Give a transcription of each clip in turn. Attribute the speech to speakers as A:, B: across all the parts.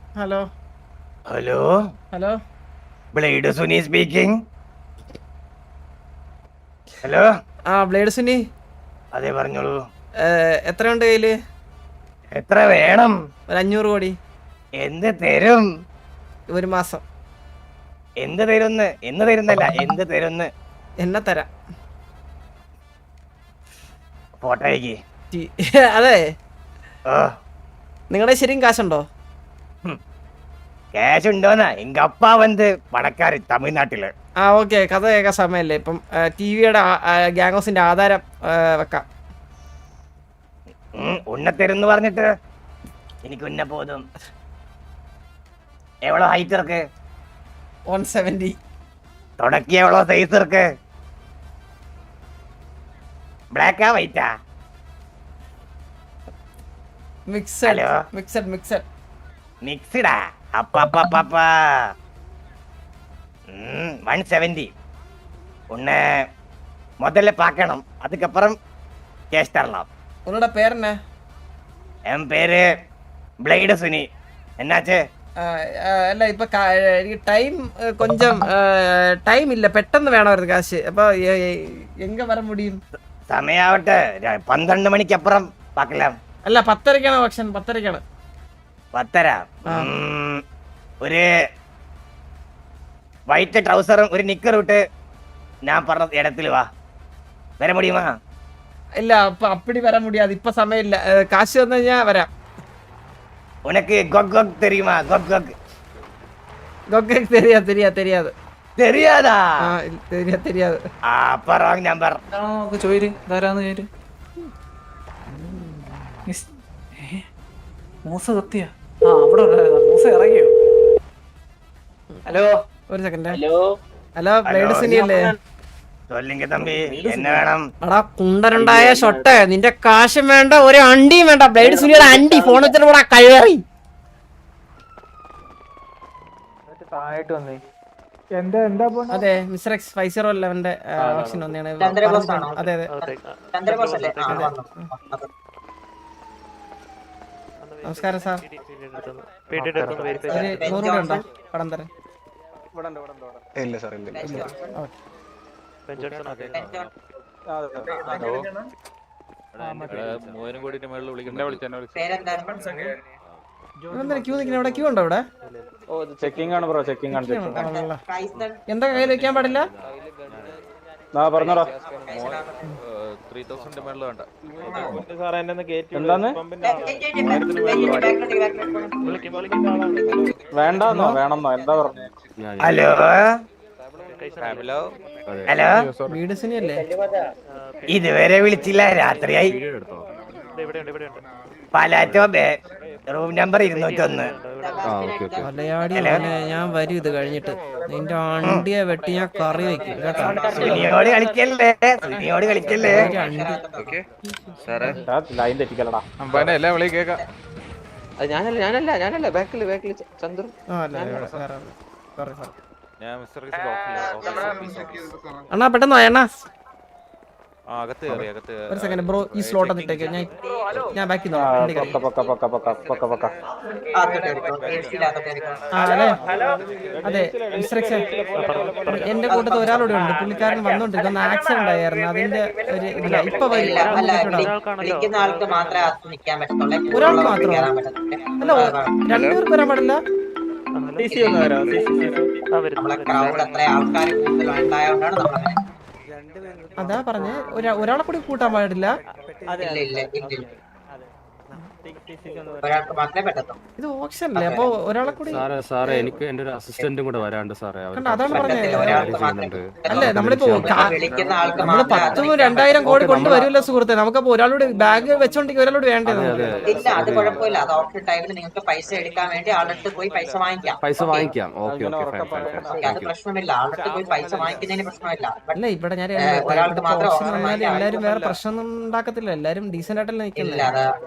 A: Hello
B: hello
A: hello
B: blade Suni speaking. Hello.
A: Blade Suni.
B: അതെ പറഞ്ഞോളൂ.
A: എത്രയുണ്ട് കയ്യില്?
B: എത്ര വേണം?
A: ഒരു 500 കോടി.
B: എന്ത് തരും?
A: ഒരു മാസം.
B: എന്ത് തരുന്ന്? എന്ന് തരുന്നല്ല, എന്ത് തരുന്ന്?
A: എന്നെ തരാം.
B: ഫോട്ടോ അയക്ക്.
A: അതെ,
B: ഓ
A: നിങ്ങളുടെ ശരിക്കും കാശുണ്ടോ?
B: ക്യാഷ് ഉണ്ടോന്നാ? എങ്ക അപ്പാ വന്ന് പണക്കാര് തമിഴ്നാട്ടില്.
A: ഓക്കെ, കഥ കേൾക്കാൻ സമയമല്ലേ? ഇപ്പം ടിവിയുടെ ഗ്യാങ് ഹൗസിന്റെ ആധാരം വെക്കാം.
B: ഉണ്ണ തരുന്ന് പറഞ്ഞിട്ട് എനിക്ക് ഉന്ന പോതും. എവളോ ഹൈറ്റ് ഇருக்கு?
A: 170.
B: തുടക്കി എവളോ സൈസ് ഇருக்கு? ബ്ലാക്കാ വൈറ്റാ?
A: മിക്സഡ് മിക്സഡ് മിക്സഡ്
B: മിക്സ്ഡാ? அப்பா 170. உன்னை முதல்ல பார்க்கணும், அதுக்கப்புறம் கேஷ் தரலாம்.
A: உன்னோட பேர் என்ன?
B: என் பேரு ബ്ലേഡ് സുനി. എന്നാച്ച്?
A: അല്ല, ഇപ്പൊ ടൈം കൊഞ്ചം ടൈം ഇല്ല, പെട്ടെന്ന് വേണമായിരുന്നു കാശ്. അപ്പൊ എങ്ക വര മുടിയും?
B: സമയാവട്ടെ, 12 മണിക്കപ്പുറം பார்க்கலாம்.
A: അല്ല, 10:30ക്കാണ് ഓപ്ഷൻ. 10:30ക്കാണ്.
B: 10:30. ഒരു വൈറ്റ് ട്രൗസറും ഒരു നിക്കർ ഇട്ട് ഞാൻ പറഞ്ഞ ഇടത്തിൽ വാ. വര മുടിയുമാ?
A: ഇല്ല, അപ്പൊ അപ്പടി വരാൻ മുടിയാത്. ഇപ്പൊ സമയമില്ല. കാശ് വന്നു കഴിഞ്ഞാ വരാം.
B: ഉനക്ക് ഗൊഗ് ഗൊഗ് தெரியுமா? ഗൊഗ് ഗൊഗ്
A: ഗൊഗ് தெரியாது.
B: தெரியாதா?
A: தெரியாது.
B: அப்ப ராங் நம்பர்.
C: ചോര് ധാരാന്ന് ചോര്. മൂസ കത്തിയ അവിടെ മൂസ ഇറങ്ങിയോ? ഹലോ,
A: ഒരു സെക്കൻഡ്. ഹലോ, ബ്ലേഡ് സുനി അല്ലേ?
B: சொல்லுங்க தம்பி, என்ன வேணும்?
A: എടാ കുണ്ടനുണ്ടായ ഷൊട്ടെ, നിന്റെ കാശും വേണ്ട, ഒരു അണ്ടിയും വേണ്ട. ബ്ലേഡ് സുനിയുടെ അണ്ടി ഫോൺ വെച്ചിട്ട് കൂടെ കഴിവേറി. അതെ, മിസ്റ്റർ എക്സ് 5011 ഓപ്ഷൻ വന്നെയാണ്. അതെ അതെ. നമസ്കാരം സാർ. ഒരു 100 രൂപ ഉണ്ടോ? പണം തരാൻ.
D: ഇല്ല സാർ, ഇല്ല.
A: ക്യൂ നിൽക്കുന്ന ഇവിടെ? ക്യൂ ഉണ്ടോ ഇവിടെ?
D: ചെക്കിംഗ് ആണ് ബ്രോ, ചെക്കിംഗ് ആണ്.
A: എന്താ കയ്യിൽ വെക്കാൻ പാടില്ല?
D: പറഞ്ഞോടാ.
E: 3000 മേളിൽ വേണ്ട.
D: എന്താന്ന്? വേണ്ടെന്നോ വേണമെന്നോ എന്താ പറഞ്ഞേ?
B: ഹലോ ഹലോ,
A: വീട് സുനിയല്ലേ?
B: ഇതുവരെ വിളിച്ചില്ല, രാത്രിയായി. പാലാറ്റോ റൂം നമ്പർ 201.
A: മലയാളി ഞാൻ വരും ഇത് കഴിഞ്ഞിട്ട്. നിന്റെ അണ്ടിയെ വെട്ടി ഞാൻ കറി വെക്കും കേട്ടോ.
B: സുനിയോട് കളിക്കല്ലേ, സുനിയോട് കളിക്കല്ലേ.
D: ലൈൻ തെറ്റിക്കലടാ.
E: എല്ലാം വിളി കേക്കാം.
C: ഞാനല്ല ബാക്കില് ചന്ദ്രു.
E: ഞാൻ മിസ്റ്റർ
A: അണ്ണാ പെട്ടെന്ന് വാ അണ്ണാ.
E: അകത്ത് കയറി.
A: ഒരു സെക്കൻഡ് ബ്രോ, ഈ സ്ലോട്ട് ഇട്ടേക്ക്. ഞാൻ ബാക്കി അതെ മിസ്റ്റർ എക്സ്, എന്റെ കൂട്ടത്തിൽ ഒരാളൂടെ ഉണ്ട്. പുള്ളിക്കാരൻ വന്നോണ്ടിരിക്കുന്ന ആക്സിഡന്റ് ആയിരുന്നു. അതിന്റെ ഒരു ഇല്ല. ഇപ്പൊ ഒരാൾക്ക് മാത്രമോ? അല്ല, 2 പേർക്ക് വരാൻ പാടില്ല. അതാ പറഞ്ഞേ, ഒരാളെ കൂടി കൂട്ടാൻ പാടില്ല. ഇത് ഓപ്ഷൻ അല്ലേ? അപ്പൊ ഒരാളെ കൂടി.
F: സാറേ എനിക്ക് എന്റെ ഒരു അസിസ്റ്റന്റും കൂടെ വരാണ്ട് സാറേ.
A: അതാണ് പറഞ്ഞത്. അല്ലേ, നമ്മളിപ്പോ 10,000 2,000 കോടി കൊണ്ടുവരുമല്ലോ സുഹൃത്തെ. നമുക്കപ്പോ ഒരാളോട് ബാഗ് വെച്ചോണ്ടെങ്കിൽ ഒരാളോട് വേണ്ടത്.
F: പൈസ വാങ്ങിക്കാം. ഓക്കെ.
A: അല്ല, ഇവിടെ ഞാൻ ഓപ്ഷൻ വന്നാല് എല്ലാരും വേറെ പ്രശ്നം ഉണ്ടാക്കത്തില്ല. എല്ലാരും ഡീസന്റ് ആയിട്ടല്ലേ നിൽക്കുന്നത്.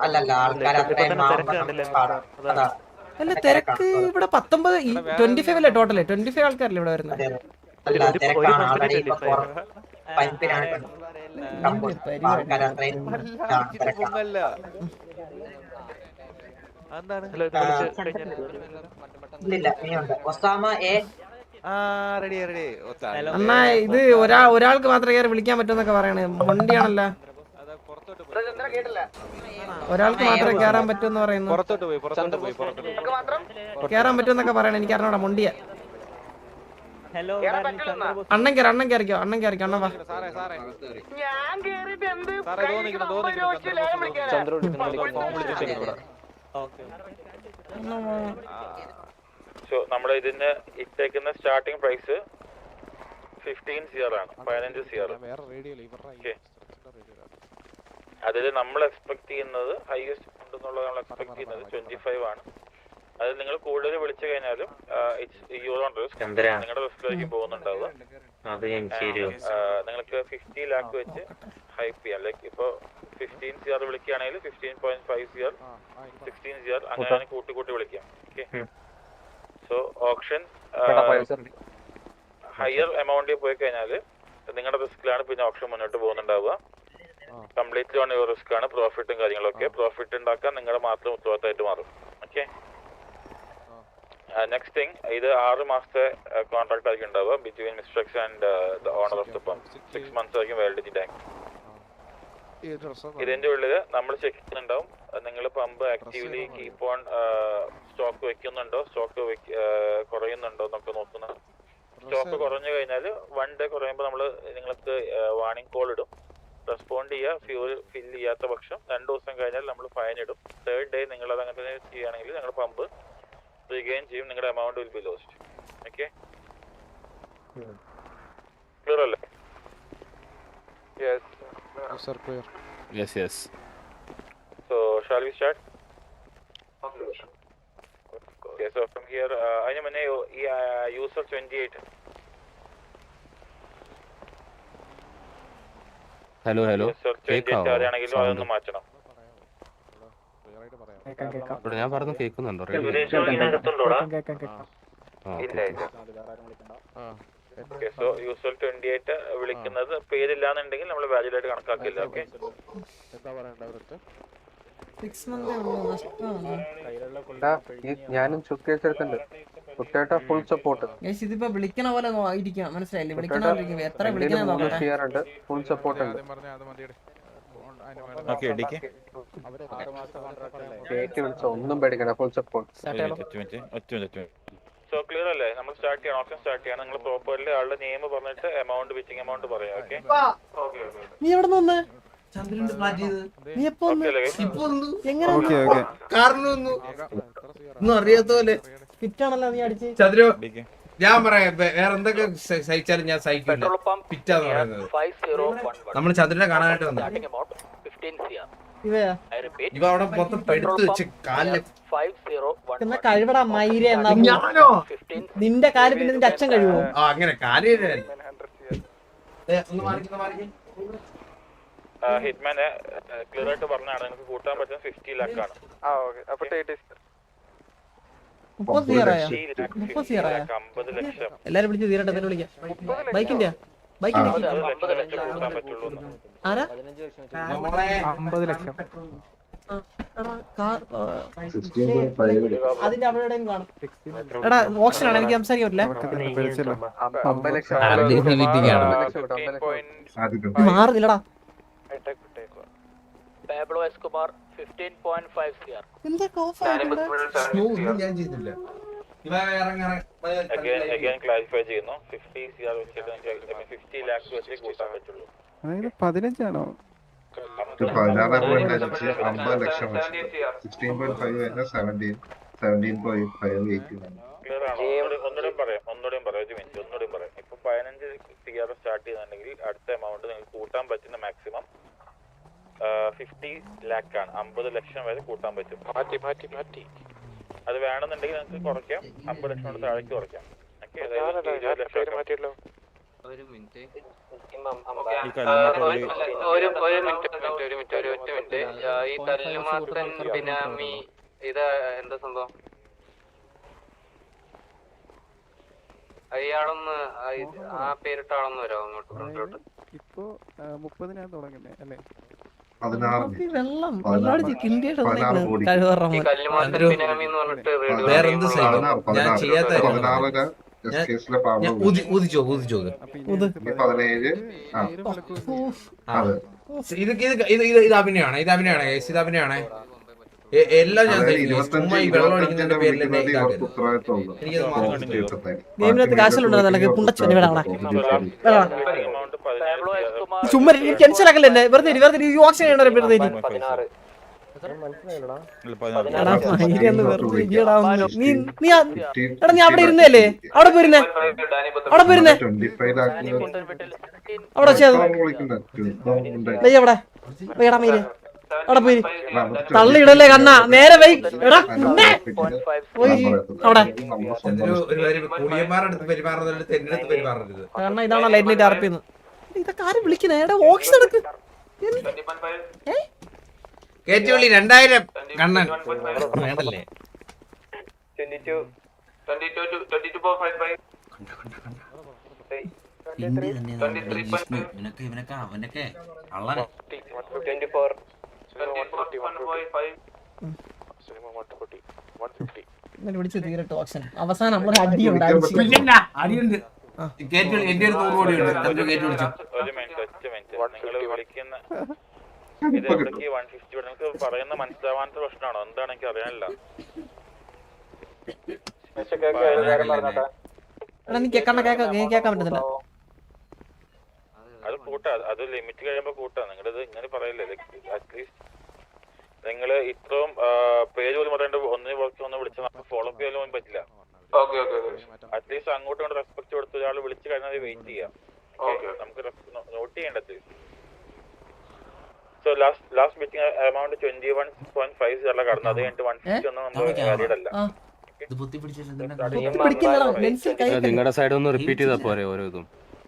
A: അല്ല, തിരക്ക് ഇവിടെ 25 അല്ലേ ടോട്ടല്? 25 ആൾക്കാരല്ലേ ഇവിടെ വരുന്നത്?
E: എന്താണ്
G: ഇല്ലില്ല ഇനിയുണ്ട് ഒസാമ എ
E: ആ റെഡി റെഡി
A: അണ്ണാ ഇത് ഒരാൾക്ക് മാത്രമേ കയറി വിളിക്കാൻ പറ്റുമെന്നൊക്കെ പറയണേ മൊണ്ടിയാണല്ലോ ഒരാൾക്ക് മാത്രമേ കയറാൻ പറ്റുമെന്ന് പറയുന്നു
E: പുറത്തോട്ട് പോയി
A: കയറാൻ പറ്റുമെന്നൊക്കെ പറയണേ എനിക്ക് അറിഞ്ഞോടാ മൊണ്ടിയ
B: ഹലോ
A: അണ്ണൻ കയറിക്കോ അണ്ണൻ വാ
E: സാറേ സാറേ
H: നമ്മുടെ ഇതിന് ഇട്ടേക്കുന്ന സ്റ്റാർട്ടിംഗ് പ്രൈസ് 15 CR ആണ് 15 CR. അതിൽ നമ്മൾ എക്സ്പെക്ട് ചെയ്യുന്നത് ഹൈയസ്റ്റ് ഉണ്ടെന്നുള്ളത് നമ്മൾ എക്സ്പെക്ട് ചെയ്യുന്നത് 25 ആണ്. അത് നിങ്ങൾ കൂടുതൽ വിളിച്ചു കഴിഞ്ഞാലും നിങ്ങളുടെ റിസ്കിലേക്ക് പോകുന്നുണ്ടാവുക. നിങ്ങൾക്ക് 50 ലാക്ക് വെച്ച് ഹൈപ്പ് ചെയ്യാം. ലൈക്ക് ഇപ്പൊ 15 CR വിളിക്കുകയാണെങ്കിൽ 15.5 CR 16 CR അങ്ങനെ കൂട്ടി വിളിക്കാം. ഓക്കെ. സോ ഓപ്ഷൻ ഹയർ എമൗണ്ടിൽ പോയി കഴിഞ്ഞാൽ നിങ്ങളുടെ റിസ്കിലാണ് പിന്നെ ഓപ്ഷൻ മുന്നോട്ട് പോകുന്നുണ്ടാവുക. കംപ്ലീറ്റ്ലി ഓൺ യുവർ റിസ്ക് ആണ്. പ്രോഫിറ്റും കാര്യങ്ങളൊക്കെ പ്രോഫിറ്റ് ഉണ്ടാക്കാൻ നിങ്ങളുടെ മാത്രം ഉത്തരവാദിത്തമായിട്ട് മാറും. ഓക്കെ. നെക്സ്റ്റ് തിങ്, ഇത് 6 മാസത്തെ കോൺട്രാക്ട് ആയിരിക്കും ഉണ്ടാവുക between mister X and the owner of the pump. 6 months ആയിരിക്കും വാലിഡിറ്റി ടൈം. ഇതിന്റെ ഉള്ളിൽ നമ്മൾ ചെക്ക് ചെയ്യുന്നുണ്ടാവും നിങ്ങൾ pump actively keep on stock വെക്കുന്നുണ്ടോ, സ്റ്റോക്ക് കുറയുന്നുണ്ടോ എന്നൊക്കെ നോക്കുന്നത്. സ്റ്റോക്ക് കുറഞ്ഞു കഴിഞ്ഞാൽ 1 day കുറയുമ്പോൾ നമ്മൾ നിങ്ങൾക്ക് വാർണിംഗ് കോൾ ഇടും. റെസ്പോണ്ട് ചെയ്യുക. ഫ്യൂൽ ഫില്ല് ചെയ്യാത്ത പക്ഷം 2 ദിവസം കഴിഞ്ഞാൽ നമ്മൾ ഫൈൻ ഇടും. 3rd day നിങ്ങൾ അത് അങ്ങനെ തന്നെ ചെയ്യുകയാണെങ്കിൽ ഞങ്ങളുടെ പമ്പ് റീഗെയിൻ ചെയ്യും. നിങ്ങളുടെ amount will be lost. Okay. Clear അല്ലേ?
F: Yes.
H: So shall we start? Okay, so from here അതിന് മുന്നേ ഈ യൂസർ 28
F: ഹലോ
H: യൂസർ 28 ആരാണെങ്കിലും അതൊന്ന് മാറ്റണം.
F: ഞാൻ പറഞ്ഞു കേൾക്കുന്നുണ്ടോ?
H: ഓക്കെ. സോ യൂസർ 28 വിളിക്കുന്നത് പേരില്ലാന്നുണ്ടെങ്കിൽ നമ്മൾ വാലിഡ് ആയിട്ട് കണക്കാക്കില്ല. ഓക്കെ.
I: ഞാനും ചുക്കേച്ചെടുത്തുണ്ട്. Full support.
A: ഇതിപ്പോ വിളിക്കണ പോലെ ഇരിക്കണം. മനസ്സിലായില്ലേ? വിളിക്കണ എത്ര വിളിക്കണ
I: ഫുൾ സപ്പോർട്ട് ഉണ്ട്. ഒന്നും പേടിക്കണ്ട. Full support.
H: സോ ക്ലിയർ അല്ലേ? നമ്മൾ സ്റ്റാർട്ട് ചെയ്യണം. ഓപ്ഷൻ സ്റ്റാർട്ട് ചെയ്യണം. നിങ്ങൾ പ്രോപ്പർലി ആളുടെ നെയിം പറഞ്ഞിട്ട് എമൗണ്ട് വിച്ചിങ് എമൗണ്ട് പറയാം. ഓക്കെ.
A: നീ എവിടെ നിന്ന് നീ എപ്പോ അറിയാത്ത പോലെ ഫിറ്റാണല്ലോ നീ അടിച്ച്
J: ചന്ദ്രു. ഞാൻ പറയാം വേറെ എന്തൊക്കെ സഹിച്ചാലും ഞാൻ സഹിക്കില്ല. ഫിറ്റാന്ന് പറയുന്നത് നമ്മൾ ചന്ദ്രനെ കാണാനായിട്ട് വന്നു. ഇവ അവിടെ മൊത്തം പെടുത്ത് വെച്ച് കാലില്
A: കഴിവടാ മൈര.
J: ഞാനോ?
A: നിന്റെ കാല് പിന്നെ നിന്റെ അച്ഛൻ കഴിവോ?
J: ആ അങ്ങനെ കാല്
H: ഹിറ്റ്മാനെ ക്ലിയർ ആയിട്ട് പറഞ്ഞാണ് നിങ്ങൾക്ക് കൂട്ടാൻ പറ്റുന്ന 50 lakh ആണ്.
A: 50 ലക്ഷം. എല്ലാരും വിളിച്ച് തീരട്ടെ. തന്നെ വിളിക്കാം. ബൈക്കിന്റെ
H: കൂട്ടാൻ പറ്റുള്ളൂ.
A: ആരാ?
C: 50 ലക്ഷം.
A: അതിന്റെ അവിടെ കാണും. എടാ ഓപ്ഷൻ ആണ്. എനിക്ക് സംസാരിക്കാൻ പറ്റില്ല. മാറുന്നില്ലടാ.
B: Pablo Escobar 15.5 CR.
J: ഞാൻ ചെയ്തില്ല.
H: Again clarify ചെയ്യുന്നു. 50 CR വെച്ചിട്ട് 50 lakhs വെച്ച് കൂട്ടാൻ പറ്റുള്ളൂ.
C: 15 ആണോ?
I: 50 ലക്ഷം. 16.5 17.5
H: ക്ലിയർ ആണോ? ഒന്നുകൂടെയും പറയാം. ഒരു മിനിറ്റ് ഒന്നുകൂടെയും പറയാം. ഇപ്പൊ 15 CR സ്റ്റാർട്ട് ചെയ്യുന്നുണ്ടെങ്കിൽ അടുത്ത എമൗണ്ട് നിങ്ങൾക്ക് കൂട്ടാൻ പറ്റുന്ന മാക്സിമം 50 lakh ആണ്. 50 ലക്ഷം വരെ കൂട്ടാൻ പറ്റും. അത് വേണമെന്നുണ്ടെങ്കിൽ നിങ്ങൾക്ക് കുറയ്ക്കാം. 50 ലക്ഷം കൊണ്ട് താഴേക്ക് കുറയ്ക്കാം.
G: ഒരു മിനിറ്റ് ഈ തല്ലുമാസൻ ബിനാമി ഇത് എന്താ സംഭവം? അയാളൊന്ന് ആ പേരിട്ട ആളൊന്ന് വരാമോ അങ്ങോട്ട് ഫ്രണ്ടിലോട്ട്?
C: ഇപ്പൊ 30 തുടങ്ങുന്നേ അല്ലേ?
I: 16
A: വെള്ളം വെള്ളം കിണ്ടിയുടെ
I: 16 കോടി.
A: കഴിവറ
G: കല്ലുമാത്തൻ ബിനാമി എന്ന് പറഞ്ഞിട്ട് റേഡിയോ
J: വേറെന്ത് സൈഡ്
I: 16
J: ഞാൻ ചെയ്യാത്ത കാര്യം പറഞ്ഞത്.
I: 16
J: ഞാൻ-
I: കേസിലെ പാവം
J: ഞാൻ ഊതിച്ചോ
C: അപ്പൊ ഇനി
A: ഇത്.
I: 17 ആ അതെ
J: ഇത് അഭിനയമാണ് ഇത് അഭിനയമാണ് എല്ലാം ഞാൻ
I: അതായത്
J: തരും. ചുമ്മാ ഈ വെള്ളം അടിക്കുന്നതിന്റെ പേരിൽ എന്നെ ഇതാക്കരുത്.
I: ഉത്തരവാദിത്തമുള്ളൂ
J: എനിക്കത് മാത്രം
A: ഗെയിമിനകത്ത് കാശുണ്ടോ നിനക്ക് പുണ്ടച്ചോനെ ഇവിടെ
H: amount 17
A: ചുമ്മാ ടെൻഷൻ ആക്കല്ലേ എന്നെ വെറുതെ ഇരി, വെറുതെ ഈ ഓക്സിജൻ ചെയ്യണ വെറുതെ ഇരി. എടാ, മയില് ഒന്ന് വെറുതെ ഇരിയെടാ ഒന്ന്. എടാ നീ അവിടെ ഇരുന്നല്ലേ അവിടെ പോയിരുന്നേ അവിടെ പോയിരുന്നേ
I: 25 ലാഖിന്
A: അവിടെ വെച്ചത്
I: വിളിക്കണ്ട
A: വെയ്യ അവിടെ വെയ്യടാ മയില് അവിടെ പോയി തള്ളിയിടല്ലേ കണ്ണാ നേരെ വെയ് എടാ ഉണ്ണേ. പോയി അവിടെ
J: കുളിയന്മാരുടെ അടുത്ത് പെരുമാറുന്നത് എന്റെ അടുത്ത് പെരുമാറരുത്.
A: കണ്ണ ഇതാണോ ലൈറ്റ് നൈറ്റ് അറപ്പിന്ന് ഇതൊക്കെ ആരും വിളിക്കുന്നേ എടാ ഓക്സിജൻ എടുക്ക്
J: കേറ്റുവിളി 2000 കണ്ണൻ വേണ്ടല്ലേ
A: ഇന്നലെ വിളിച്ച് തീരട്ടെ ഓക്സിജൻ അവസാനം നമ്മളൊരു അടിയുണ്ട് അടിച്ച്.
J: അടിയുണ്ട് കേറ്റുവിളി എന്റെ ഒരു 100 കോടി ഉണ്ട് എന്നിട്ട് കേറ്റു വിളിച്ചു
H: ഒരു മിനിറ്റ് നിങ്ങൾ വിളിക്കുന്ന ഇത് എവിടേക്ക് 150 നിങ്ങൾക്ക് പറയുന്ന മനസ്സിലാവാത്ത പ്രശ്നമാണോ എന്താണ് എനിക്ക് അറിയാനില്ല.
A: എടാ നീ കണ്ണ കേൾക്കാൻ പറ്റുന്നില്ല
H: അത് കൂട്ടാ അത് ലിമിറ്റ് കഴിയുമ്പോ കൂട്ടാ നിങ്ങളിത് ഇങ്ങനെ പറയില്ലേ അറ്റ്ലീസ്റ്റ് നിങ്ങൾ ഇത്രയും പേര് പോലും പറയേണ്ട ഒന്നിനെ ഒന്ന് വിളിച്ചാൽ നമുക്ക് ഫോളോ അപ്പ് ചെയ്യാൻ പറ്റില്ല. അറ്റ്ലീസ്റ്റ് അങ്ങോട്ടും ഇങ്ങോട്ട് റെസ്പെക്ട് കൊടുത്ത് ഒരാൾ വിളിച്ചു കഴിഞ്ഞാൽ വെയിറ്റ് ചെയ്യാം. നമുക്ക് നോട്ട് ചെയ്യേണ്ടത്. സോ ലാസ്റ്റ് മീറ്റിംഗ് എമൗണ്ട് 21.5 അല്ല കടന്നു. അത് കഴിഞ്ഞിട്ട് 150 ഒന്നും നമ്മൾ വാലിഡ് അല്ല.
A: പിടിക്കുന്നില്ലടാ ലെൻസിൽ കൈ
F: നിങ്ങളുടെ സൈഡ് ഒന്ന് റിപ്പീറ്റ് ചെയ്താൽ പോരെ ഓരോ ഇതും.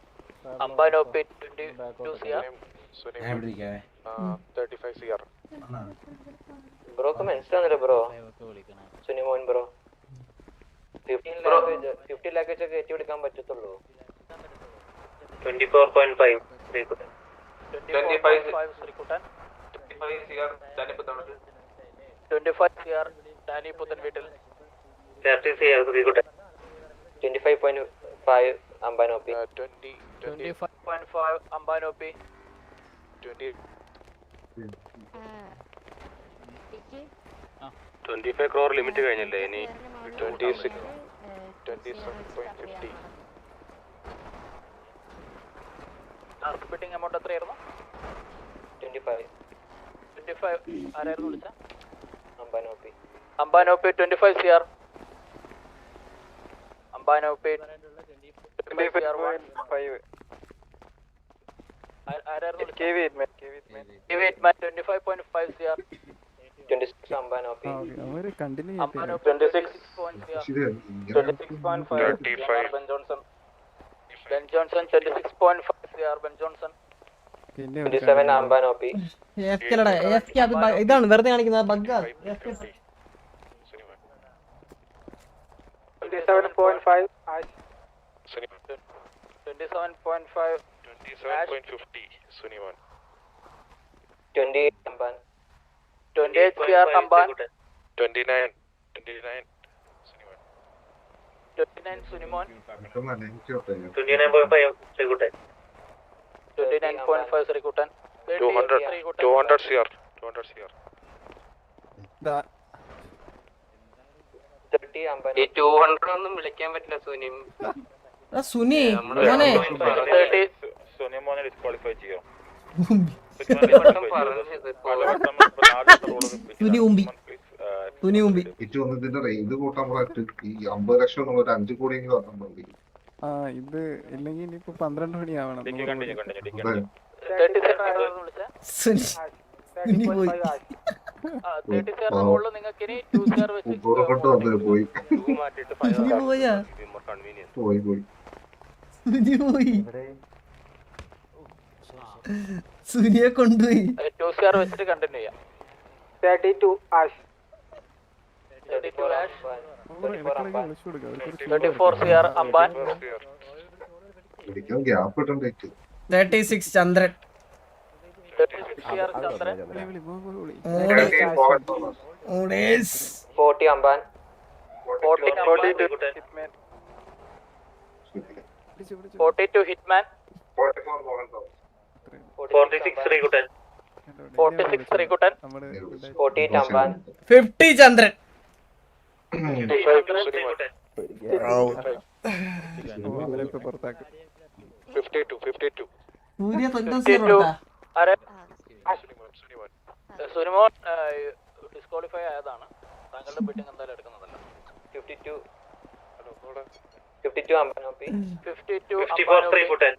G: ബ്രോക്ക് മനസ്സിലാവുന്നില്ല ബ്രോ സുനിമോൻ ബ്രോ 50 ലാഖ് വെച്ച് കയറ്റി എടുക്കാൻ പറ്റത്തുള്ളൂ. 24.5 25.5 അംബാനോപ്പി 25.5 അംബാനോപ്പി
F: 25 crore ലിമിറ്റ് കഴിഞ്ഞില്ലേ ഇനി
H: 27.50
G: ബിഡിംഗ് എമൗണ്ട് എത്രയായിരുന്നു? 25 ആരായിരുന്നു വിളിച്ച? അംബാനോപ്പി 25 CR അംബാനോപ്പി 25.5 ആരായിരുന്നു KV8 25.5 CR 26 അംബാനോപ്പി
C: അവര് continue
H: 26.5
G: Ben Johnson 26.5 CR Ben Johnson
C: പിന്നെ
G: 27 അംബാനോപ്പി
A: AFK-ലെടാ AFK അത് ഇതാണ് വെറുതെ കാണിക്കുന്ന ബഗ്ഗാ
G: 27.5
H: സുനിമോൻ
G: 28 അംബാൻ 28 CR അംബാൻ
H: 29 സുനിമോൻ
G: 29 സുനിമോൻ 29.5 ശ്രീകുട്ടൻ
H: 200 CR
G: 30 അംബാൻ ഈ 200 ഒന്നും വിളിക്കാൻ പറ്റില്ല സുനിം
A: സുനി മോനെ
H: സുനിമോനെ ഡിസ്ക്വാളിഫൈ ചെയ്യോ?
A: തുനി ഉമ്പി
I: ഇതിന്റെ റേഞ്ച് കൂട്ടാൻ പറഞ്ഞിട്ട് ഈ 50 ലക്ഷം എന്നുള്ള ഒരു 5 കോടിയെങ്കിലും വന്നാൽ മതി.
C: ആ ഇത് ഇല്ലെങ്കിൽ ഇനിയിപ്പോ 12 മണിയാവണം
A: സുനി പോയി
I: കൊണ്ട് വന്നത് പോയി
A: സുനി പോയാ
I: പോയി
A: സുനി പോയി സുനിയെ കൊണ്ടുപോയി
G: 2 CR വെച്ചിട്ട് കണ്ടിന്യൂ ചെയ്യാം 32 ആഷ് 34 CR അംബാൻ
I: വിളിക്കാൻ ഗ്യാപ്പ് ഇട്ടേക്ക്
A: 36 ചന്ദ്രൻ
G: 36 6CR Chandran.
C: വിളി വിളി
G: 40 Amban. 42 Hitman. 46 Rikutan. 46 Rikutan. 48 Amban.
A: 50 ചന്ദ്രൻ.
C: അവരൊക്കെ പുറത്താക്കും.
G: 52.
A: സൂര്യ 52.
G: സുനിമോൻ ഡിസ്ക്വാളിഫൈ ആയതാണ്. താങ്കളുടെ ബിഡിങ് എന്തായാലും എടുക്കുന്നതല്ല. 52 അമ്പാനോപ്പി. 54 Rikutan.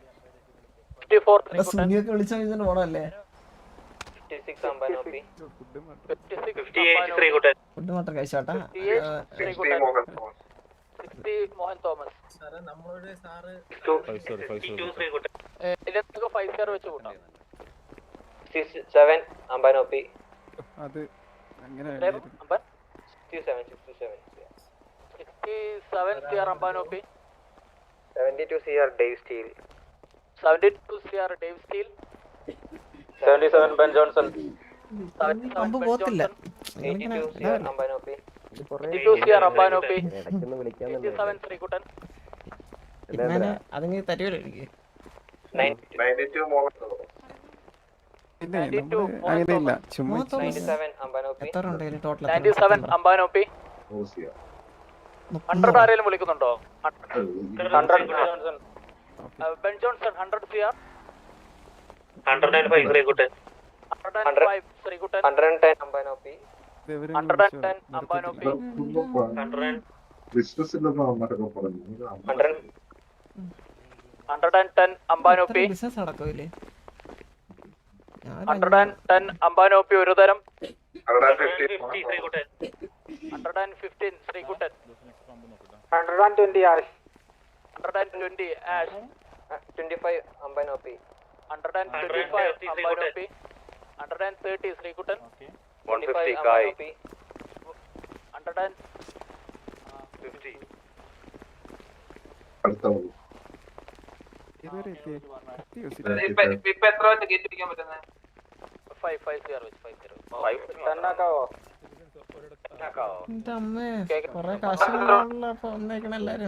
G: 54
A: സൂര്യൊക്കെ വിളിച്ചാൽ ഇതിന് പോണല്ലേ?
G: 56 അമ്പാനോപ്പി.
C: ഫുഡും വേണ്ട.
G: 58 Rikutan.
A: ഫുഡ് മാത്രം കഴിച്ചോട്ടാ.
G: 60 മോഹൻ തോമസ്. ഇതിലൊക്കെ 5CR വെച്ച് കൂട്ടാം. 67 അമ്പാനോപ്പി.
C: അത് അങ്ങനെ
G: 67 CR അമ്പാനോപ്പി. 72 CR Dave Steele.
H: 77 Ben Johnson.
A: പമ്പ് പോത്തില്ല.
G: 82 CR അമ്പാനോപ്പി. 82 CR അമ്പാനോപ്പി. 87 ശ്രീകുട്ടൻ.
A: അതിങ്ങനെ തരുവല്ലോ എനിക്ക്.
G: 92
C: ഇല്ല നമ്മള് അങ്ങനെയില്ല ചുമ്മാ
G: 97 അമ്പാനോപ്പി.
A: എത്ര ഉണ്ട് ടോട്ടൽ?
G: 97 അമ്പാനോപ്പി. 100 ആരെങ്കിലും വിളിക്കുന്നുണ്ടോ?
H: 100 Johnson.
G: Ben Johnson 100 CR.
H: 105 Rikutan.
G: 105 Sreekuttan. 110 അമ്പാനോപ്പി. 110 അമ്പാനോപ്പി.
I: ബിസിനസ് ഇല്ലെന്ന് അമ്മമാരൊക്കെ പറഞ്ഞു.
G: 110 അമ്പാനോപ്പി.
A: ബിസിനസ് നടക്കില്ലേ?
G: 110 അമ്പാനോപ്പി ഒരു തരം.
H: 150 Rikutan.
G: 115 ശ്രീകുട്ടൻ.
H: 120 Ash.
G: 120 ആഷ്. 25 അമ്പാനോപ്പി. 125 അമ്പാനോപ്പി. 130 ശ്രീകുട്ടൻ.
H: 150 Kai.
G: 150
I: അടുത്ത മതി.
C: ഇതുവരെ
G: ഇപ്പൊ എത്ര വെച്ച് ഗേറ്റ് പിടിക്കാൻ പറ്റുന്നത്? 5 CR വെച്ച് 50.
H: 10 ആക്കാവോ?
A: എന്റെ അമ്മേ കൊറേ കാശുള്ള വന്നേക്കണ എല്ലാരും.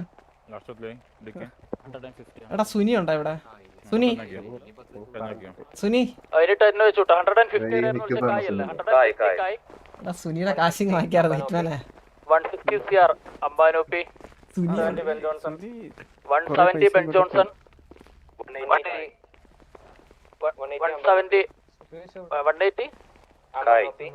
A: എടാ സുനി ഉണ്ടോ ഇവിടെ? സുനി സുനി
G: അതിന് 10 വെച്ച് വിട്ടോ. 150 കായ് അല്ലേ? 150 കായ്.
A: എടാ സുനിയുടെ കാശിങ് വാങ്ങിക്കാറുണ്ട് ഹിറ്റ്മാനെ.
G: 160 CR അമ്പാനോപ്പി.
A: Suni
G: 170 Ben Johnson. 170 180 അമ്പാനോപ്പി.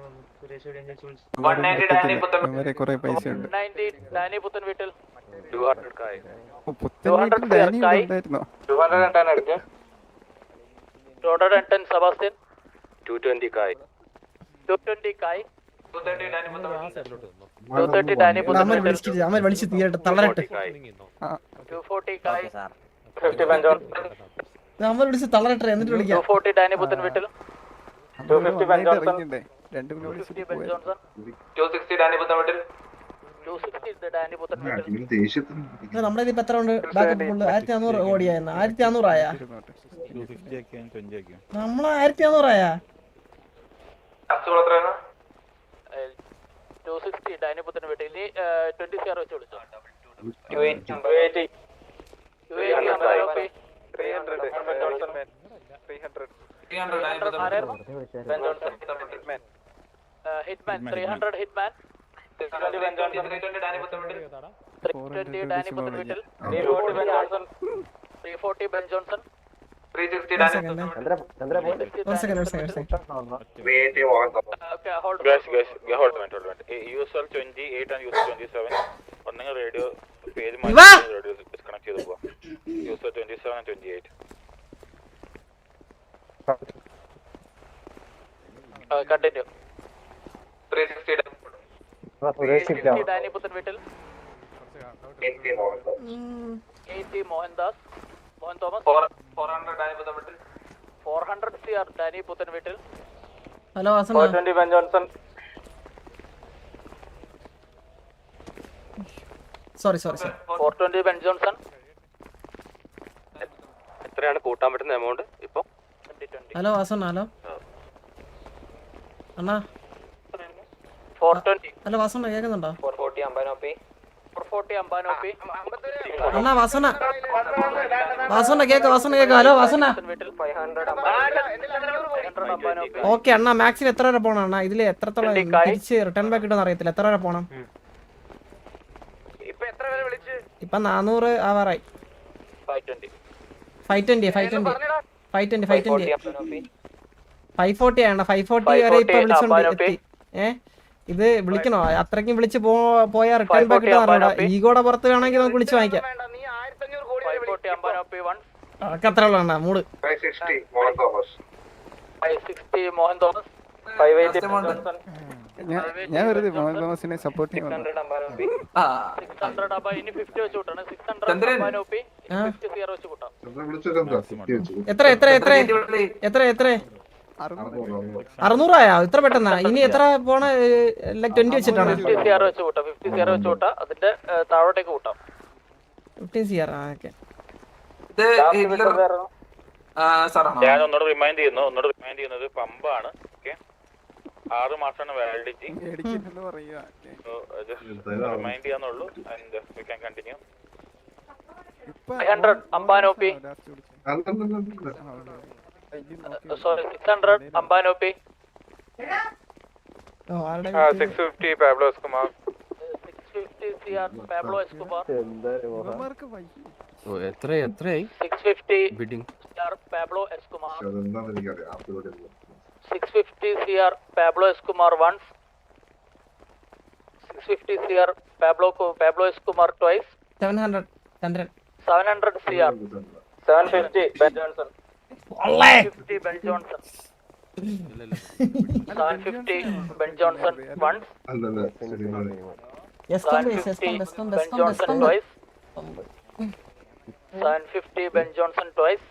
C: 180 കുറെ പൈസ ഉണ്ട്.
G: 190 ഡാനി പുത്തൻ വീട്ടിൽ.
H: 200 Kai.
C: പുത്തൻ ഡാനി ഉണ്ടായിരുന്നോ?
H: 210 എടുക്ക്.
G: 210 സെബാസ്റ്റ്യൻ.
H: 220 Kai.
G: 220 കായ്. 230 ഡാനി പുത്തൻ
A: അമ്മ
G: വീട്ടിൽ.
A: വിളിച്ചിട്ട് അമ്മ വിളിച്ച് തീരട്ടെ തളരട്ടെ.
G: 240 കായ്.
H: 50 Ben Johnson.
A: അമ്മ വിളിച്ച് തളരട്ടെ എന്നിട്ട് വിളിക്കാം.
G: 240 ഡാനി പുത്തൻ വീട്ടിൽ.
H: 250 Ben Johnson.
C: ഇറങ്ങിണ്ടേ 2 മിനിറ്റ്
G: 250 ബെൻ
C: വിളിച്ചിട്ട്
G: ജോൺസൺ.
H: 260 ഡാനി പുത്തൻ വീട്ടിൽ.
G: 260 ഡാനി പുത്തൻ വീട്ടിൽ.
I: ഇവന് ദേഷ്യത്തിന്
A: ഇത് നമ്മുടെ ഇതിപ്പോ എത്ര ഉണ്ട്? Backup full 1400 ഓടിയായിരുന്നു. 1400 ആയാ? നമ്മള് 1400 ആയാ?
G: 260 ഡാനി പുത്തൻ വീട്ടിൽ. ഇനി 20 CR വെച്ച് വിളിച്ചോ.
H: 280
G: അമ്പാനോപ്പി.
H: 300 Ben Johnson.
G: 300 ആരായിരുന്നു? Hitman. 300 hitman.
H: 320 Ben Johnson. 320 Danny പുത്തൻ വീട്ടിൽ.
G: 320 ഡാനി പുത്തൻ വീട്ടിൽ.
H: 340 Ben Johnson.
G: 340 Ben Johnson.
H: 360
A: ഒരു
H: Danny
A: second
G: Okay, hold on.
H: Guys, hold on. USL 28 and USL 27. ഒന്നെങ്കിൽ റേഡിയോ പേര് മാറ്റി റേഡിയോ ഡിസ്കണക്ട് ചെയ്ത് പോവാം. USL 27 and 28.
G: Continue. 360 ഡാനി പുത്തൻ വീട്ടിൽ. 80 മോഹൻദാസ്. മോഹൻ തോമസ്.
H: 400 ഡാനി പുത്തൻ വീട്ടിൽ.
G: 400 CR ഡാനി പുത്തൻ വീട്ടിൽ.
A: ഹലോ വാസന
H: 420 Ben Johnson.
A: Sorry
G: 420 Ben Johnson.
F: എത്രയാണ് കൂട്ടാൻ പറ്റുന്ന എമൗണ്ട് ഇപ്പൊ?
G: 2020.
A: ഹലോ വാസന ഹലോ അണ്ണാ
G: 420
A: അല്ല വാസണ്ണ കേൾക്കുന്നുണ്ടോ
G: 440 അമ്പാനോപ്പി 440 അമ്പാനോപ്പി
A: അണ്ണാ വാസണ്ണ കേക്ക് ഹലോ വാസണ്ണ
G: വീട്ടിൽ 500 അമ്പാനോപ്പി
A: ഓക്കെ അണ്ണാ മാക്സിൽ എത്ര വരെ പോണം അണ്ണാ ഇതില് എത്രത്തോളം തിരിച്ച് റിട്ടേൺ ബാക്ക് കിട്ടുമെന്ന് അറിയത്തില്ല എത്ര വരെ പോണം
G: ഇപ്പൊ എത്ര പേരെ വിളിച്ച്
A: ഇപ്പൊ 400 ആവാറായി
G: 520
A: 540 ആണ് 540 വരെ ഇപ്പൊ വിളിച്ചോണ്ട് എത്തി ഇത് വിളിക്കണോ അത്രയ്ക്കും വിളിച്ച് പോയാ റിട്ടേൺ ബാക്ക് കിട്ടാൻ ഈഗോടെ പുറത്ത് വേണമെങ്കിൽ നമുക്ക് വിളിച്ച് വാങ്ങിക്കാം
G: നീ 1500 കോടി 540 അമ്പാനോപ്പി 1
A: അതൊക്കെ അത്ര ഉള്ളതാണ് മൂട്
I: 560 മോഹൻ തോമസ്
G: 560 മോഹൻ തോമസ് 580
C: ഞാൻ വെറുതെ മോഹൻ തോമസിനെ സപ്പോർട്ട് ചെയ്യാൻ
G: 600 അമ്പാനോപ്പി 600 അബ ഇനി 50 വെച്ച് കൂട്ടണം 600 അമ്പാനോപ്പി 50 0 വെച്ച് കൂട്ടാം
A: എത്ര 600 ആയോ ഇത്ര പെട്ടെന്നാ ഇനി എത്ര പോണ 20 വെച്ചിട്ടാണ്
G: 50 0 വെച്ച് കൂട്ടാം 50 0 വെച്ച് കൂട്ടാം അതിന്റെ താഴോട്ടേക്ക് കൂട്ടാം
A: 15 CR ഓക്കെ
H: ഞാൻ ഒന്നോട് റിമൈൻഡ് ചെയ്യുന്നത് പമ്പാണ്. ഓക്കെ 6 മാസമാണ് വാലിഡിറ്റി.
C: മേടിക്കുന്നെന്ന് പറയുക
H: റിമൈൻഡ് ചെയ്യാന്നുള്ളൂ. And we can continue.
G: 500 അമ്പാനോപ്പി സോറി 600 അമ്പാനോപ്പി
H: 650 Pablo Escobar
G: 650 CR Pablo Escobar
C: ഇവന്മാർക്ക് വയ്യ.
F: എത്രയായി
G: 650
F: ബിഡിങ്
G: CR പാബ്ലോ എസ്കുമാർ
I: അതെന്താണെന്ന് എനിക്കറിയാം
G: 650 CR Pablo Escobar once 650 CR Pablo Escobar twice
A: 700 Chandran
G: 700 CR 750 Ben Johnson 750 Ben Johnson 750 Ben Johnson once
I: അല്ലല്ല
G: 750 Ben Johnson twice 750 Ben Johnson twice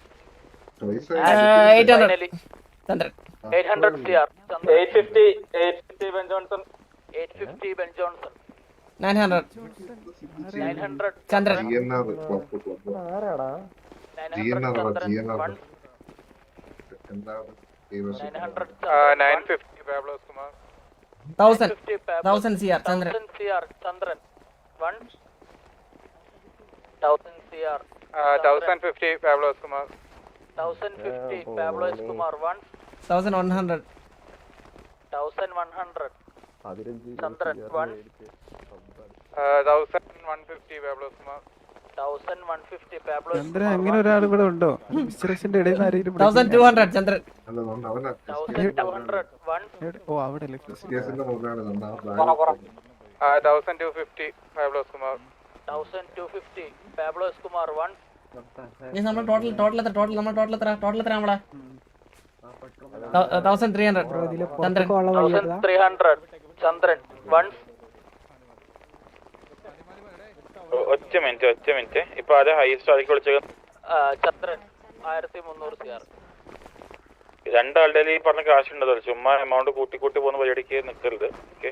A: 800
G: finally
A: Chandran
G: 800 CR 850 Ben Johnson 850 Ben Johnson
A: 900 Chandran
I: GNR എന്താണ്
H: 950 Pablo Escobar
A: 1000 CR Chandran
G: 1000 CR Chandran 1000 CR
H: 1050 Pablo Escobar
G: 1050 Pablo Escobar
A: 1100
G: 1100 ചന്ദ്രൻ
H: 1150 Pablo Escobar
G: 1150 Pablo
C: Chandran അങ്ങനെ ഒരാൾ ഇവിടെ ഉണ്ടോ മിസ്റ്ററേഷന്റെ ഇടയിൽ നിന്ന് ആരെങ്കിലും
A: 1200 ചന്ദ്രൻ
I: അല്ലതുകൊണ്ട് അവനെ
G: 1200
C: ഓ അവിടെ അല്ലേ
I: കേസിന്റെ മുകളിലാണ്
H: 1250 പാബ്ലോ എസ്കുമാർ
G: 1250 പാബ്ലോ എസ്കുമാർ 1
A: നമ്മൾ ടോട്ടൽ എത്ര നമ്മളെ 1300 ചന്ദ്രൻ
G: 1300 ചന്ദ്രൻ 1
H: ഒറ്റ മിനിറ്റ് ഇപ്പൊ അത് ഹൈസ്റ്റ് ആക്കി വിളിച്ചത്
G: ചന്ദ്രൻ 1300 CR
H: രണ്ടാളുടെ ഈ പറഞ്ഞ കാശ് ഉണ്ടല്ലോ ചുമ്മാ എമൗണ്ട് കൂട്ടി പോകുന്ന പരിപാടിക്ക് നിൽക്കരുത്. ഓക്കെ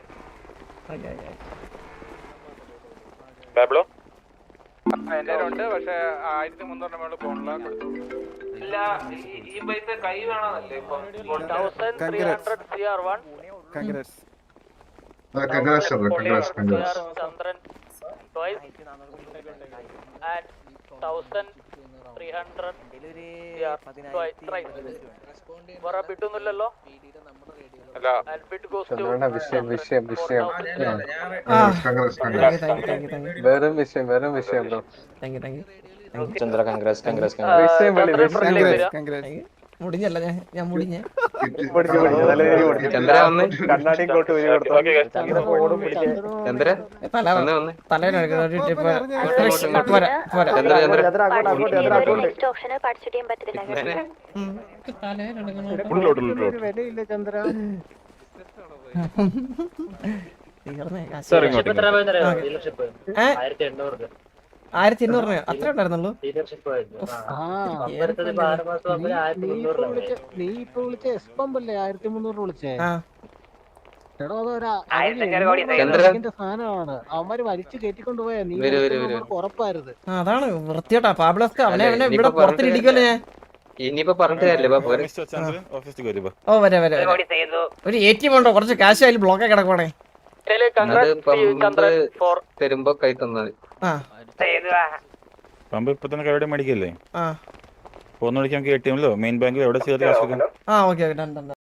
H: പാബ്ലോ
E: എന്റെ ഉണ്ട് പക്ഷെ 1300 മേളിൽ പോണില്ല.
G: ഇല്ല ഈ പൈസ കൈ വേണമെന്നല്ലേ ഇപ്പൊ 1300 CR 1
C: congrats
G: Chandran twice and 1300 CR twice വേറെ ബിഡൊന്നുമില്ലല്ലോ
H: അല്ല
G: and bid goes to
D: വിഷയം
A: വെറും
D: വിഷയം bro.
A: Thank you
D: Chandra congrats
A: മുടിഞ്ഞല്ല ഞാൻ മുടിഞ്ഞേ
D: ചന്ദ്ര വന്ന് കണ്ണാടി കോട്ട് ചന്ദ്ര
C: വിലയില്ല ചന്ദ്ര
A: 1200 അത്ര ഉണ്ടായിരുന്നുള്ളൂ.
C: നീ ഇപ്പൊ വിളിച്ച എസ്പമ്പല്ലേ 1300 വിളിച്ചേ സാധനമാണ് അവന്മാര് വലിച്ചു കയറ്റിക്കൊണ്ട് പോയാ നീ ഉറപ്പായിരുന്നു.
A: അതാണ് വൃത്തിയോട്ടാ പാബ്ലോസ്ക അവനെ ഇവിടെ പുറത്തിരിക്കുമല്ലോ ഞാൻ
D: ഇനിയിപ്പോ പറഞ്ഞിട്ട് കാര്യമില്ല പോരെ.
A: ഓ വരാം വരാം വരാം. ഒരു ATM ഉണ്ടോ? കുറച്ച് കാശ് അതിൽ ബ്ലോക്കെ കിടക്കുവാണേ.
D: അത് പമ്പ് തരുമ്പോ കൈ തന്നാൽ
A: ആ
H: പമ്പ് ഇപ്പൊ തന്നെ കൈയോടെ മേടിക്കല്ലേ?
A: ആ
H: പോകുന്ന വഴിക്ക് നമുക്ക് ATM മെയിൻ ബാങ്കിൽ എവിടെ ചെയ്ത്
A: ആ ഓക്കെ ഡൺ ഡൺ.